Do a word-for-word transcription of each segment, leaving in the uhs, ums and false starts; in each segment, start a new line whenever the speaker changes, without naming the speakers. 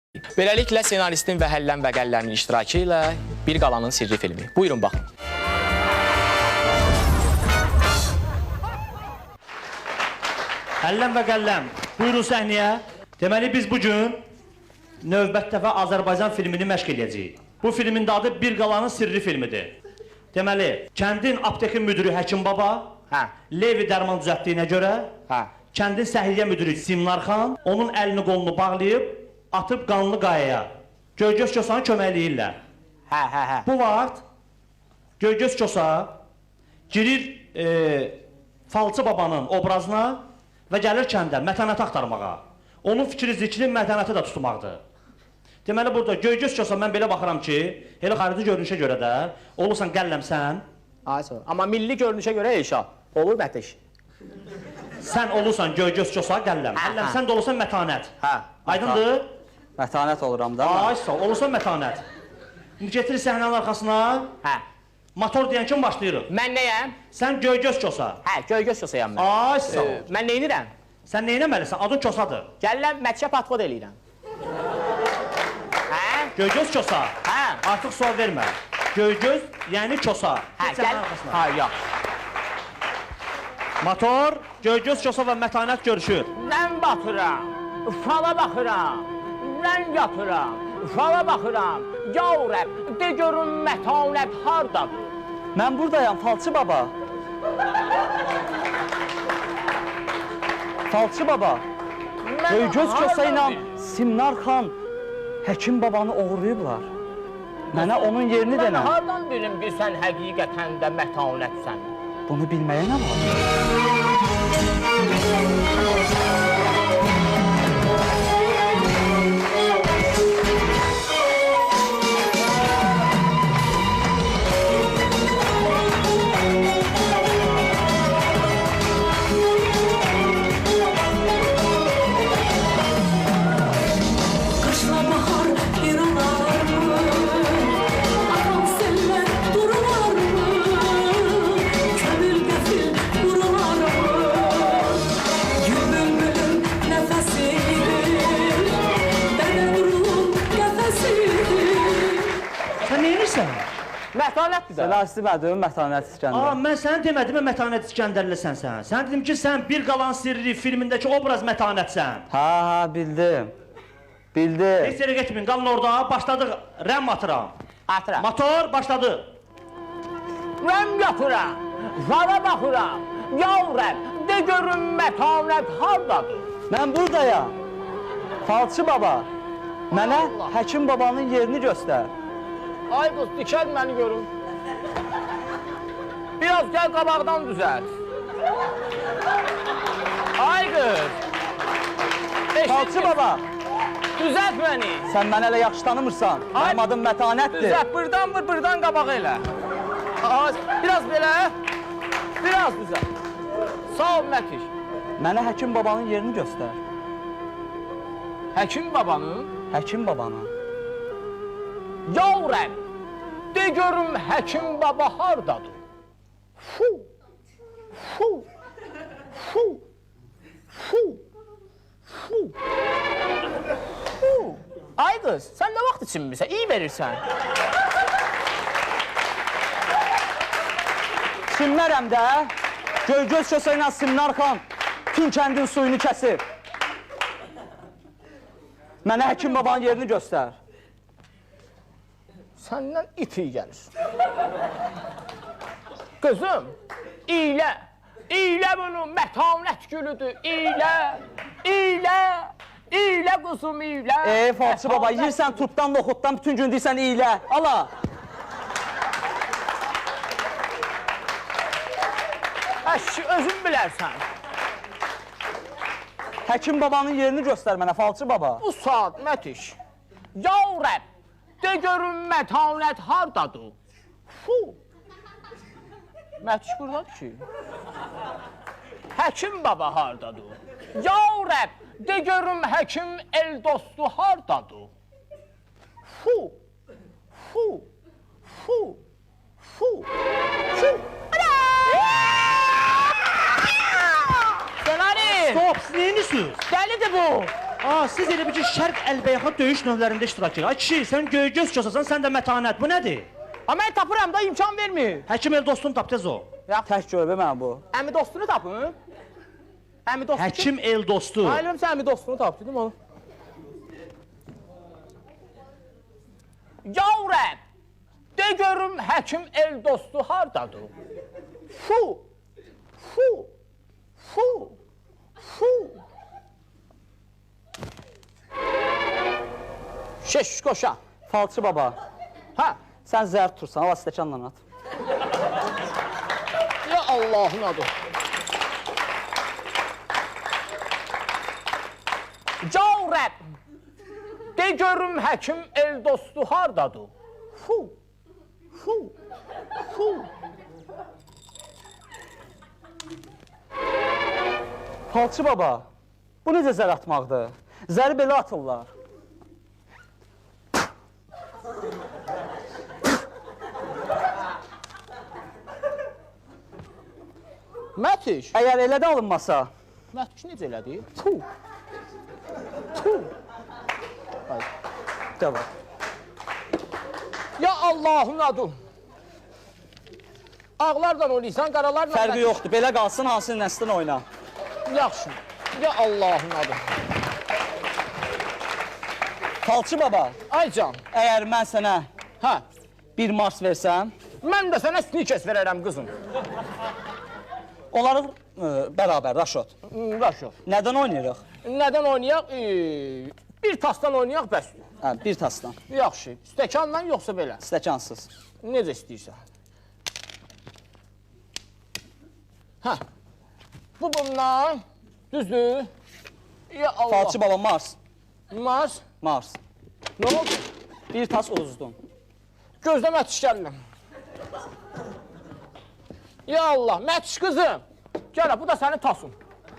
Beləliklə, senaristin və Həllən və Qəlləmin iştirakı ilə Bir Qalanın Sirri filmi. Buyurun, baxın.
Həllən və Qəlləm, buyurun səhnəyə. Deməli, biz bugün növbət dəfə Azərbaycan filmini məşq edəcəyik. Bu filmin də adı Bir Qalanın Sirri filmidir. Deməli, kəndin aptekin müdürü Həkim Baba, hə. Levi dərman düzəltdiyinə görə, hə. Kəndin səhiyyə müdürü Simnar xan, onun əlini qolunu bağlayıb, atıb qanlı qayaya. Göygöz Kosanı köməkləyirlər.
Hə, hə, hə.
Bu vaxt Göygöz Kosa girir e, Falçı Babanın obrazına və gəlir kəndə mətanəti axtarmağa. Onun fikri zikri mətanəti də tutmaqdır. Deməli, burada Göygöz Kosa mən belə baxıram ki, elə xarici görünüşə görə də olursan qəlləmsən.
Ay, sonra. Amma milli görünüşə görə Eşa, olur mətiş.
Sən olursan Göygöz Kosa qəlləm. Qəlləm, sən də olursan mətanət.
Hə.
Aydındır?
Mətanət oluram da.
Ay, sağ ol, olursan mətanət. İndi getirir səhnənin arxasına.
Hə.
Motor deyən kim başlayırıq?
Mən nəyəm?
Sən Göygöz Kosa.
Hə, Göygöz Kosayam mən.
Ay, sağ ol.
Ee, mən neynirəm?
Sən neynəməlisən? Adın Kosadır.
Gəlləm, mətşə patvod eləyirəm. Hə?
Göygöz Kosa.
Hə.
Artıq sual vermə. Göygöz, yəni Kosa.
Hə, gəl. Ha, yox.
Motor, Göygöz Kosa və mətanət görüşür.
Mən batıram, fala baxıram, mən yatıram, fala baxıram. Yav Rəb, de görün mətanət hardadır?
Mən buradayam, Falçı Baba. Falçı Baba. Göygöz Kosa ilə Simnar xan Həkim Babanı oğurlayıblar. Mənə onun yerini denə.
Mən hardan bilim ki, sən həqiqətən də mətanətsən?
Bunu bilməyə nə var?
Mətanətdir də.
Senaristi mənim Mətanət İskəndər.
Aa, mən sənə demədim mi Mətanət İskəndərlisən sən? Sən dedim ki, sən Bir Qalan Sirri filmindəki obraz mətanətsən.
Ha, ha, bildim. Bildim.
Heç yerə getməyin, qalın orada, başladıq, rəm atıram.
Atıram.
Motor, başladı.
Rəm yapıram, fala baxıram, yav Rəb, de görün mətanət hardadır?
Mən buradayam. Falçı Baba. Mənə Həkim Babanın yerini göstər.
Ay qız, dikəl məni görün. Biraz gəl qabaqdan düzəlt. Ay qız.
Falçı Baba.
Düzəlt məni.
Sən mənə elə yaxşı tanımırsan. Mənim adım Mətanətdir.
Düzəlt, buradan vur, buradan qabağı elə. Biraz belə. Biraz düzəlt. Sağ ol, Mətiş.
Mənə Həkim Babanın yerini göstər.
Həkim Babanın?
Həkim Babanın.
Yav Rəb, de görüm Həkim Baba hardadır? Fu, fu, fu, fu, fu, fu. Ay qız, sən nə vaxt içinmirsən? İyi verirsən.
Kimlərəm də? Göygöz Kosa ilə Simnar xan tüm kəndin suyunu kəsib. Mənə Həkim Babanın yerini göstər.
Səndən it iyi gəlir. Qızım, iylə, iylə bunu, mətanət gülüdür, iylə, iylə, iylə qızım, iylə.
Ey, Falçı Baba, yiyirsən turpdan, noxuddan, bütün gün deyirsən iylə, ala.
Əşki, özün bilərsən.
Həkim Babanın yerini göstər mənə, Falçı Baba.
Bu saat, Mətiş, yav Rəb, de görün mətanət hardadır? Fu! Mətiş buradadır ki. Həkim Baba hardadır? Yav Rəb, de görün həkim el dostu hardadır? Fu! Fu! Fu! Fu! Fu! Senarist!
Stop, siz neyinirsiniz?
Dəlidir bu!
Aa, siz elə bir ki, şərq əlbəyaxa döyüş növlərində iştirak edir. Ay kişi, sən göy-göz kosasan, sən də mətanət. Bu nədir?
Amma mən tapıram da imkan vermir.
Həkim el dostunu tap tez o.
Tək görmə mənə bu.
Əmi dostunu tapın. Əmi dostu.
Həkim el dostu.
Ailəm sən əmi dostunu tap dedim onu. Yavrəm, de görüm həkim el dostu hardadır? Fu, fu, fu, fu. Şeş qoşa.
Falçı baba,
Hə,
sən zəhər tutursan, hava stəkanla at.
ya Allahın adı. Yavrəm, de görüm həkim el dostu hardadır? Fu, fu, fu.
Falçı baba, bu necə zər atmaqdır? Zəri belə atırlar.
Mətiş,
Əgər elə də alınmasa,
Mətiş necə elədi? Tu, tu.
devam.
Ya Allahın adı. Ağlarla oynayırsan, qaralarla...
Fərqi yoxdur, belə qalsın, hansı nəslin oyna.
Yaxşı. Ya Allahın adı.
Falçı baba,
Ay can,
əgər mən sənə
hə.
bir mars versəm,
Mən də sənə snikers verərəm qızım.
onları e, bərabər, Raşot.
Raşo.
Nədən oynayırıq?
Nədən oynayaq? E, bir tasdan oynayaq bəsdir.
Hə, bir tasdan,
Yaxşı. Stəkanla yoxsa belə?
stəkansız.
Necə istəyirsən. Hə. Bu bundan, düzdür. Ya Allah.
Falçı baba, Mars,
Mars.
Mars.
Nə oldu?
Bir tas uzdun.
Gözlə Mətiş gəldim. Ya Allah, Mətiş qızım. Gələ, bu da sənin tasın.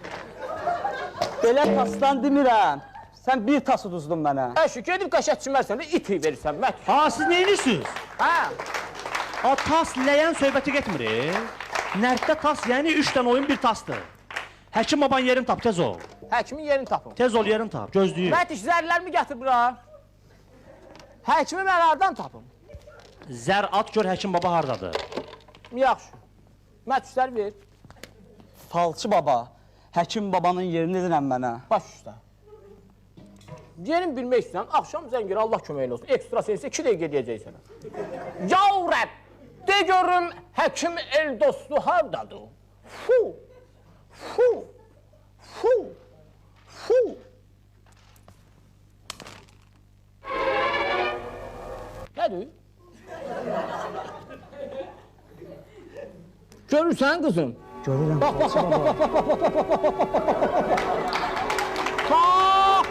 Belə tasdan demirəm. Sən bir tas uduzdun mənə.
Əşi, gedib qəşət çimərsən, iti verirsən, Mətiş.
Ha, siz nə edirsiniz?
Hə.
Ha, tas ləyən söhbəti getmir. e? Nərddə tas, yəni üç dənə oyun bir tasdır. Həkim baban yerini tap, tez ol.
Həkimin yerini tapın.
Tez ol, yerini tap, gözləyir.
Mətiş, zərlərimi gətir bura. Həkimi mən hardan tapım?
Zər at gör həkim baba hardadır.
Yaxşı. Mətiş, zər ver.
Falçı baba, həkim babanın yerini edirəm mənə.
Baş üstə. Yerin bilmək istəyirəm, axşam zəngir, Allah köməyin olsun. Ekstra sensə iki dəqiqə deyəcək sənə. Yavrəm, de görüm həkim el dostu hardadır? Fu, fu, fu, fu. Nədir? Görürsən qızım?
Görürəm.
Bax, bax, bax, bax, bax, bax, bax, bax, bax, bax, bax, bax, bax.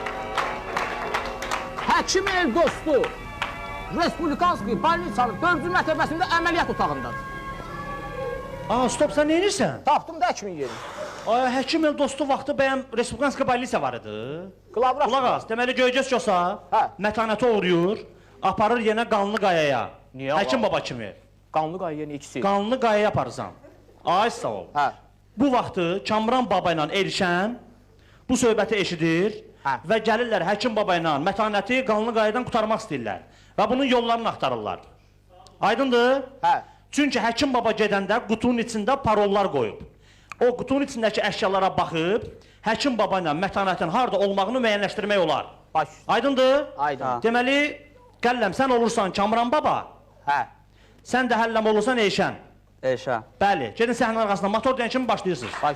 Həkim el dostu Respublikanski Balnisanın dördüncü mərtəbəsində əməliyyat otağındadır.
Aa, stop, sən nə edirsən?
Tapdım da həkimin yerini.
Ay, həkim el dostu vaxtı bəyəm Respublikanska Balisa var idi.
Qılavra.
Qulaq az, deməli Göycəz Kosa
Hə.
mətanəti uğrayır, aparır yenə Qanlı Qayaya.
Niyə
Həkim
var?
baba kimi.
Qanlı qayıya ikisi.
Qanlı Qayaya aparırsan. Ay, sağ ol.
Hə.
Bu vaxtı Kamran baba ilə Elşən bu söhbəti eşidir
Hə.
və gəlirlər həkim baba ilə mətanəti Qanlı Qayadan qurtarmaq istəyirlər və bunun yollarını axtarırlar. Aydındır?
Hə.
Çünki həkim baba gedəndə qutunun içində parollar qoyub. O qutunun içindəki əşyalara baxıb, həkim baba ilə mətanətin harda olmağını müəyyənləşdirmək olar.
Baş.
Aydındır?
Aydın.
Deməli, Qəlləm, sən olursan Kamran baba,
Hə.
sən də Həlləm olursan Eyşən.
Eşə.
Bəli, gedin səhnənin arxasında motor deyən kimi başlayırsınız.
Baş.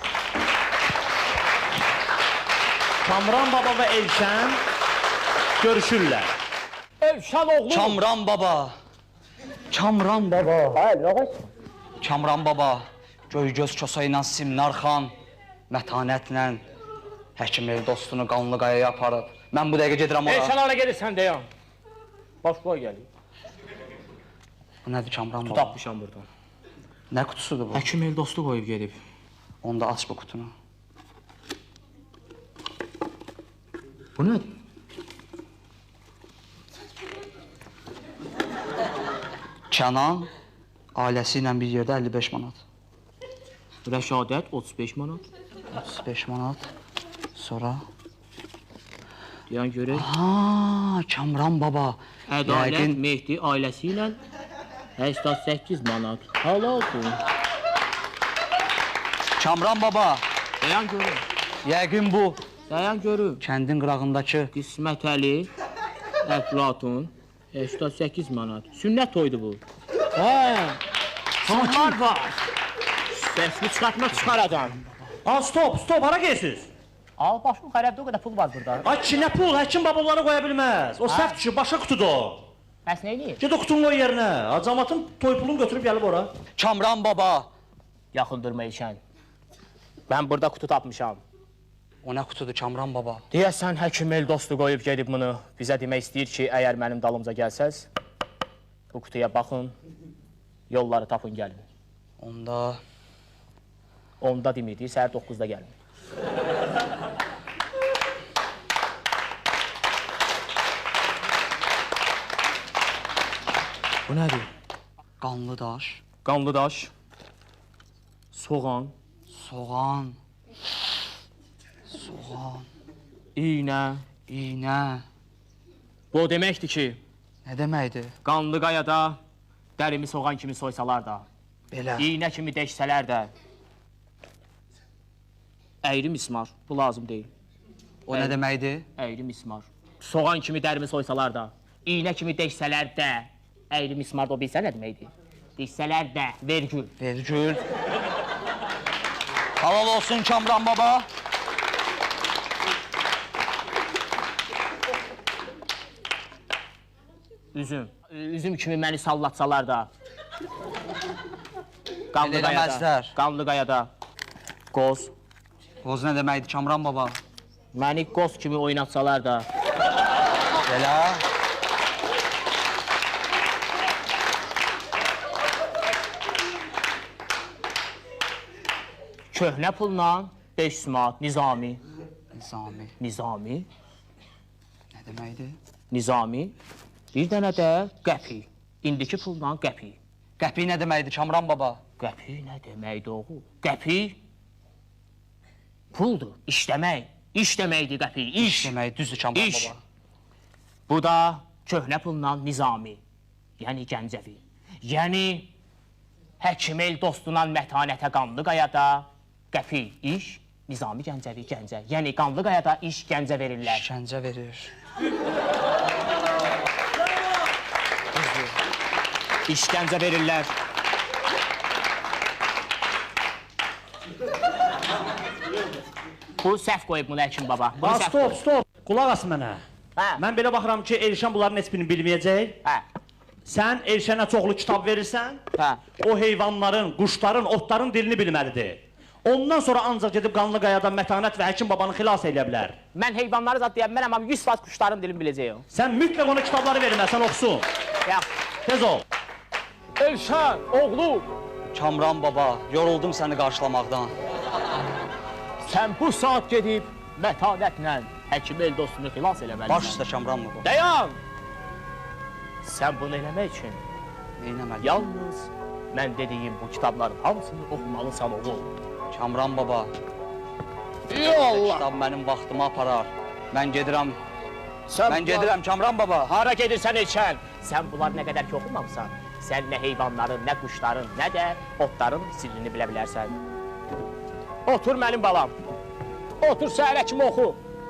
Kamran baba və Elşən görüşürlər.
Elşən oğlu.
Kamran baba. Kamran baba.
Hayır, nə qoy?
Kamran baba. Göygöz Kosa ilə Simnar xan mətanətlə həkim el dostunu Qanlı Qayaya aparıb. Mən bu dəqiqə gedirəm ora.
Elşən hara gedirsən deyəm. Baş qoy gəlir.
Bu nədir Kamran baba?
Tapmışam buradan.
Nə qutusudur bu?
Həkim el dostu qoyub gedib.
Onda aç bu qutunu.
Bu nədir?
Kənan ailəsi ilə bir yerdə əlli beş manat.
Rəşadət otuz beş manat.
otuz beş manat. Sonra
Deyən görək.
Ha, Kamran baba.
Ədalət
Yəqin
Mehdi ailəsi ilə səksən səkkiz manat. Halaldır.
Kamran baba.
Deyən görək.
Yəqin bu
Deyən görək.
kəndin qırağındakı
Qismət Əli, Əflatun, səksən səkkiz manat. Sünnət toydu bu. Hə. Sonlar var. Səsini çıxartmaq çıxaradan.
Ha, stop, stop, hara geysiz?
Al başım xərəbdə o qədər pul var burada.
Ay ki, nə pul, həkim baba onları qoya bilməz. O səhv düşür, başa qutudur.
Bəs nə eləyir?
Ged o qutunu qoy yerinə. Acamatın toy pulunu götürüb gəlib ora.
Kamran baba.
Yaxın durma İlşən. Mən burada qutu tapmışam.
O nə qutudur Kamran baba?
Deyəsən həkim el dostu qoyub gedib bunu. Bizə demək istəyir ki, əgər mənim dalımca gəlsəz, bu qutuya baxın, yolları tapın gəlin.
Onda
Onda demir, deyir, səhər doqquzda gəlin. Bu nədir?
qanlı daş,
Qanlı daş, soğan,
soğan, soğan,
iynə.
iynə.
Bu o deməkdir ki,
Nə deməkdir?
qanlı qayada dərimi soğan kimi soysalar da,
Belə.
iynə kimi deşsələr də, əyri mismar, bu lazım deyil.
O nə deməkdir?
Əyri mismar. Soğan kimi dərimi soysalar da, iynə kimi deşsələr də, əyri mismar da o bilsə nə deməkdir? Deşsələr də, vergül.
Vergül. Halal olsun Kamran baba.
Üzüm. Üzüm kimi məni sallatsalar da, qanlı
Elə
qayada,
eləməzlər.
qanlı qayada, qoz.
Qoz nə deməkdir Kamran baba?
Məni qoz kimi oynatsalar da,
Belə.
köhnə pulla beş manat, nizami.
Nizami.
Nizami,
Nə deməkdir?
nizami. Bir dənə də qəpi. İndiki pulla qəpi.
Qəpik nə deməkdir Kamran baba?
Qəpi nə deməkdir oğul? Qəpi puldur, işləmək. İş deməkdir qəpi, iş.
Demək düzdür Kamran
İş.
baba.
Bu da köhnə pulla nizami. Yəni Gəncəvi. Yəni həkim el dostuna mətanətə qanlı qayada qəpi, iş. Nizami Gəncəvi, Gəncə. Yəni qanlı qayada iş Gəncə verirlər.
İşgəncə verir.
İşgəncə verirlər. Bu səhv qoyub bunu həkim baba. Bunu
Ha,
səhv
stop,
qoyub.
stop. Qulaq as mənə.
Hə.
Mən belə baxıram ki, Elşən bunların heç birini bilməyəcək.
Hə.
Sən Elşənə çoxlu kitab verirsən,
Hə.
o heyvanların, quşların, otların dilini bilməlidir. Ondan sonra ancaq gedib qanlı qayadan mətanət və həkim babanı xilas edə bilər.
Mən heyvanları zat deyə bilmərəm, amma yüz faiz quşların dilini biləcəyəm.
Sən mütləq ona kitabları verməsən oxusun.
Yaxşı.
Tez ol.
Elşən, oğlum,
Kamran baba, yoruldum səni qarşılamaqdan.
sən bu saat gedib mətanətlə həkim el dostunu xilas eləməlisən.
Baş üstə Kamran baba.
Dayan! Sən bunu eləmək üçün
Neynəməli?
yalnız mən dediyim bu kitabların hamısını oxumalısan oğul.
Kamran baba,
Yallah!
kitab mənim vaxtımı aparar. Mən gedirəm,
Sən
mən gedirəm Kamran baba.
Hara gedirsən Elşən? Sən bunlar nə qədər ki oxumamısan, sən nə heyvanların, nə quşların, nə də otların sirrini bilə bilərsən. Otur mənim balam. Otur səhərə kimi oxu.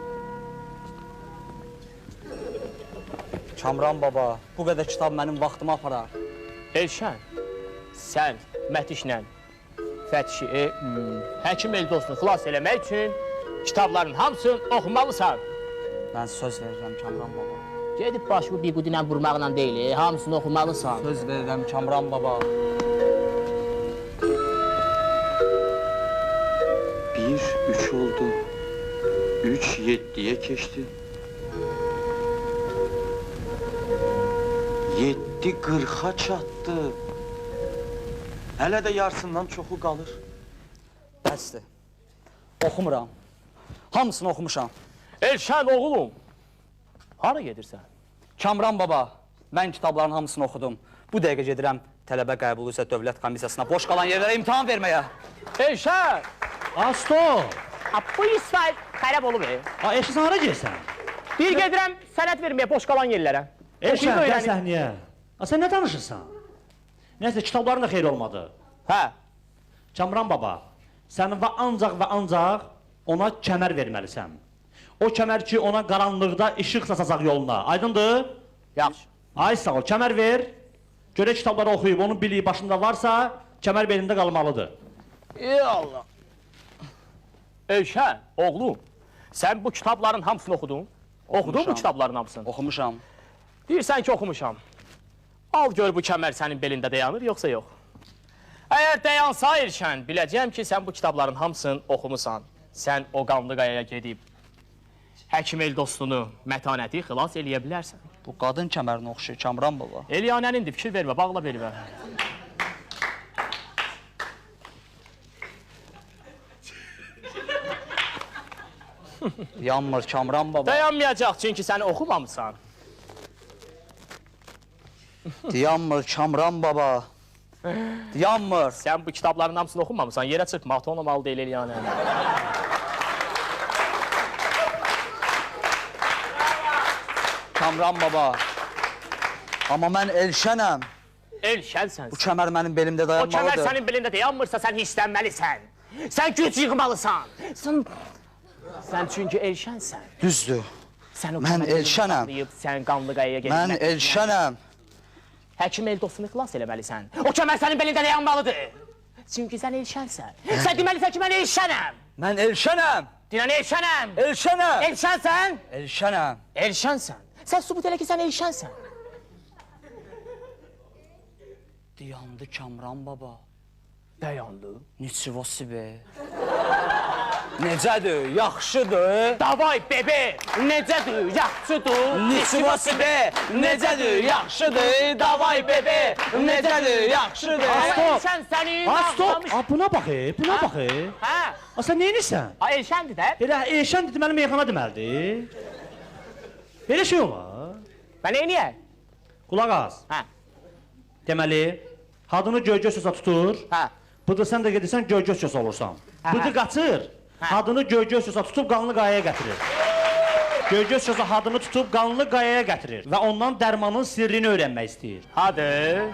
Kamran baba, bu qədər kitab mənim vaxtımı aparar.
Elşən, sən Mətişlə Fətişi, e, hmm, həkim el dostunu xilas eləmək üçün kitabların hamısını oxumalısan.
Mən söz verirəm Kamran baba.
Gedib başını bir qudi ilə vurmaqla deyil, e, hamısını oxumalısan.
Söz verirəm Kamran baba.
Bir, üç oldu. Üç, yeddiye keçti. Yeddi qırxa çatdı. Hələ də yarısından çoxu qalır.
Bəsdir. Oxumuram. Hamısını oxumuşam.
Elşən oğlum, hara gedirsən?
Kamran baba, mən kitabların hamısını oxudum. Bu dəqiqə gedirəm tələbə qəbulu üzrə dövlət komissiyasına boş qalan yerlərə imtahan verməyə.
Elşən!
Ha, stop.
Ha, bu İsmail xərab olub, e.
Ha, Elşən sən hara gəlsən?
Bir gedirəm sənət verməyə boş qalan yerlərə.
Elşən,
Oxuyub
gəl
öyrənin.
səhnəyə. A, sən nə danışırsan? Nəysə, kitabların da xeyri olmadı.
Hə.
Kamran baba, sənin və ancaq və ancaq ona kəmər verməlisən. O kəmər ki, ona qaranlıqda işıq saçacaq yoluna. Aydındır?
Yaxşı.
Ay sağ ol, kəmər ver. Görə kitabları oxuyub, onun biliyi başında varsa, kəmər belində qalmalıdır.
Ey Allah. Elşən, oğlum, sən bu kitabların hamısını oxudun? Oxudun bu
Oxumuşam.
kitabların hamısını?
Oxumuşam.
Deyirsən ki, oxumuşam. Al gör bu kəmər sənin belində dayanır, yoxsa yox? Əgər dayansa Elşən, biləcəyəm ki, sən bu kitabların hamısını oxumusan. Sən o qanlı qayaya gedib, həkim el dostunu, mətanəti xilas eləyə bilərsən.
Bu qadın kəmərinə oxşayır Kamran baba.
Eliyanənindir, fikir vermə, bağla belimə.
Yanmır Kamran baba.
Dayanmayacaq, çünki sən oxumamısan.
Yanmır Kamran baba. Yanmır.
Sən bu kitabların hamısını oxumamısan, yerə çıxma, ata olmalı deyil Eliyanə.
Kamran baba. Amma mən Elşənəm.
Elşənsən.
Bu kəmər mənim belimdə
O kəmər
dayanmalıdır.
sənin belində dayanmırsa, sən hisslənməlisən. Sən güc yığmalısan. Sən, sən çünki Elşənsən.
Düzdür.
Sən o
Mən
kəməri
Elşənəm.
saxlayıb, sən qanlı qayaya gedib.
Mən Elşənəm.
Həkim el dostunu xilas eləməlisən. O kəmər sənin belində dayanmalıdır. Çünki sən Elşənsən. Sən deməlisən ki, mən Elşənəm.
Mən Elşənəm.
Dinən Elşənəm.
Elşənəm.
Elşənsən.
Elşənəm.
Elşənsən. Sən sübut elə ki, sən Elşənsən.
Dayandı Kamran baba.
Dayandı.
Niçivosi be. Necədir? Yaxşıdır.
Davay bebe, necədir, yaxşıdır.
Niçivosi be. Necədir? Yaxşıdır. Davay bebe. Necədir? Yaxşıdır.
Elşən səni
Ha, stop!
bağlamış.
Ha, buna bax, e, buna bax. e.
Hə?
Ha, sən neynirsən?
Ha, Elşəndir də.
Elə Elşən deməli meyxana deməlidir. Belə şey olar.
Mən neyniyək?
Qulaq az.
Hə,
Deməli, hadını göy-göy söza tutur.
hə.
Bıdı sən də gedirsən göy-göy söz olursan.
Hə,
Bıdı
hə.
qaçır.
Hə.
Hadını göy-göy söza tutub qanlı qayaya gətirir. Göy-göy sözü hadını tutub qanlı qayaya gətirir və ondan dərmanın sirrini öyrənmək istəyir.
Hadi.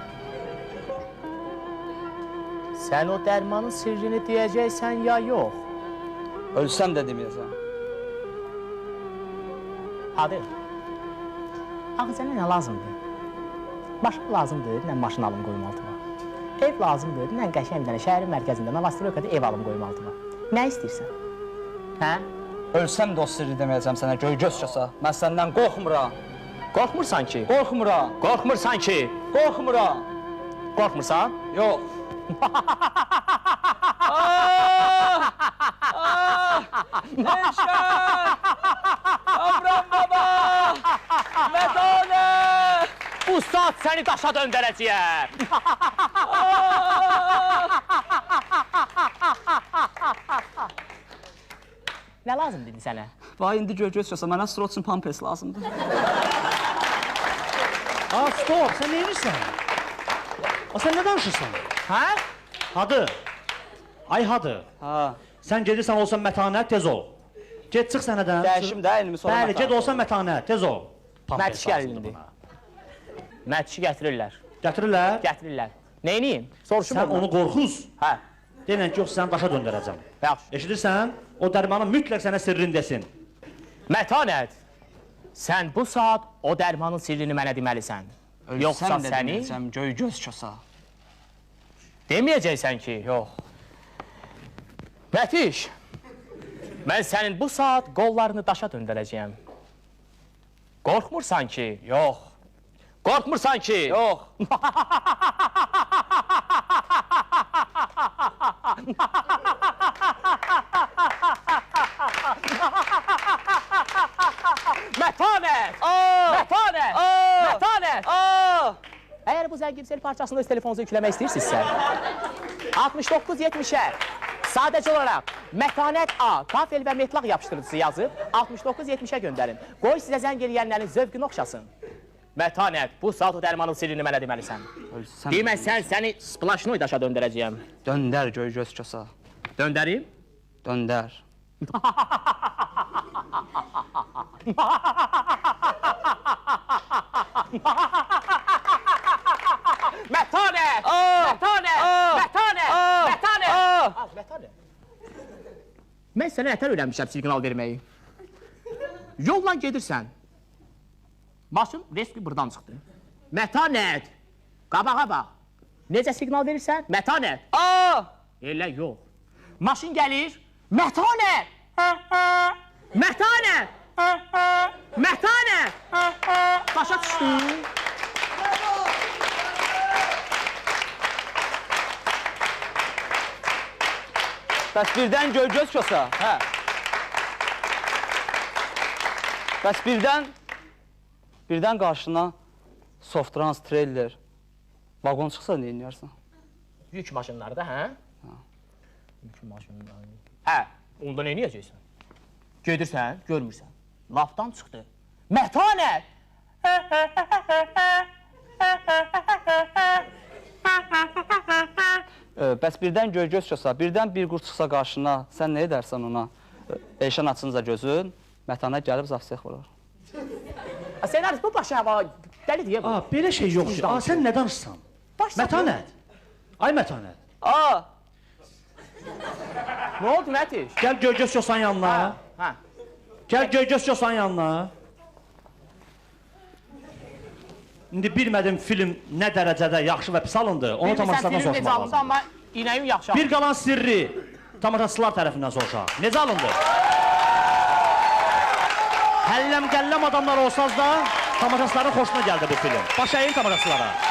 Sən o dərmanın sirrini deyəcəksən ya yox?
Ölsəm də deməyəcəm.
Hadi. Axı sənə nə lazımdır? Maşın lazımdır, nə maşın alım qoyum altıma. Ev lazımdır, nə qəşəng bir dənə şəhərin mərkəzində, Novostroyekada ev alım qoyum altıma. Nə istəyirsən? Hə?
Ölsəm də o sirri deməyəcəm sənə göy göz çasa. Mən səndən qorxmuram.
Qorxmursan ki?
Qorxmuram.
Qorxmursan ki?
Qorxmuram.
Qorxmursan?
Yox. Elşən! Kamran baba! Mədane!
Bu saat səni daşa döndərəcəyəm. Nə lazım dedi sənə?
Vay indi göy göz çasa mənə Stroçun Pampers lazımdır.
Ha, stop, sən neynirsən? Ha, sən nə danışırsan?
Hə?
Hadı. Ay hadı.
Ha.
Sən gedirsən olsan mətanət, tez ol. Get çıx sənədən.
Dəyişim də elmi sonra.
Bəli, get olsan mətanət, tez ol.
Mərtiş gəlindi. Mərtişi gətirirlər.
Gətirirlər.
Gətirirlər. Neyniyim? Soruşum
Sən onu qorxuz.
Hə.
Denən ki, yox, səni daşa döndərəcəm.
Yaxşı.
Eşidirsən? O dərmanın mütləq sənə sirrini desin.
Mətanət, sən bu saat o dərmanın sirrini mənə deməlisən. Yoxsa
Ölsəm də
səni
deməyəcəm göy göz çasa.
deməyəcəksən ki.
Yox.
Mətiş, mən sənin bu saat qollarını daşa döndərəcəyəm. Qorxmursan ki?
Yox.
Qorxmursan ki?
Yox.
Mətanət!
Aa!
Mətanət!
Aa!
Mətanət!
Aa!
Əgər bu zəngimsel parçasını öz telefonunuza yükləmək istəyirsinizsə, altmış doqquz yetmişə sadəcə olaraq Mətanət A, kafel və metlaq yapışdırıcısı yazıb altmış doqquz yetmişə göndərin. Qoy sizə zəng eləyənlərin zövqünü oxşasın. Mətanət, bu saat o dərmanın sirrini mənə deməlisən.
Ölsəm.
Deməsən səni splaşnoy daşa döndərəcəyəm.
Döndər göy göz çasa.
Döndərim?
Döndər.
Mətanət!
Aa!
Mətanət!
Aa!
Mətanət!
Aa!
Mətanət!
Aa!
Az, Mətanət. Mən sənə nətər öyrənmişəm siqnal verməyi? Yolla gedirsən. Maşın reski buradan çıxdı. Mətanət! Qabağa bax. Necə siqnal verirsən? Mətanət!
Aa!
Elə yox. Maşın gəlir. Mətanət! Mətanət! Mətanət! Başa düşdün?
Bəs birdən göy-göz kosa.
Hə.
Bəs birdən birdən qarşına Softrans, trailer, vagon çıxsa nə edərsən?
Yük maşınları da, hə? Yük maşınları. Hə, onda nə edəcəksən? Gedirsən, görmürsən. Lafdan çıxdı. Mətanət!
Ə, bəs birdən göy-göz kosa, birdən bir qurt çıxsa qarşına, sən nə edərsən ona? Ə, Eşən açınca gözün, Mətanət gəlib zafsiyək vurur.
Senarist bu başı hava dəli deyə bu.
Aa, belə şey yox ki. Aa, sən nə danışsan? Mətanət. Ay Mətanət.
Aa!
Nə oldu Mətiş?
Gəl göy-göz kosanın yanına.
Hə.
Gəl göy-göz kosanın yanına. İndi bilmədim film nə dərəcədə yaxşı və pis alındı, onu tamaşaçılardan soruşmaq
Bilmirsən,
lazım.
amma inəyim yaxşı alındı.
Bir qalan sirri tamaşaçılar tərəfindən soruşaq. Necə alındı? Həlləm qəlləm adamlar olsanız da tamaşaçıların xoşuna gəldi bu film. Baş əyin tamaşaçılara.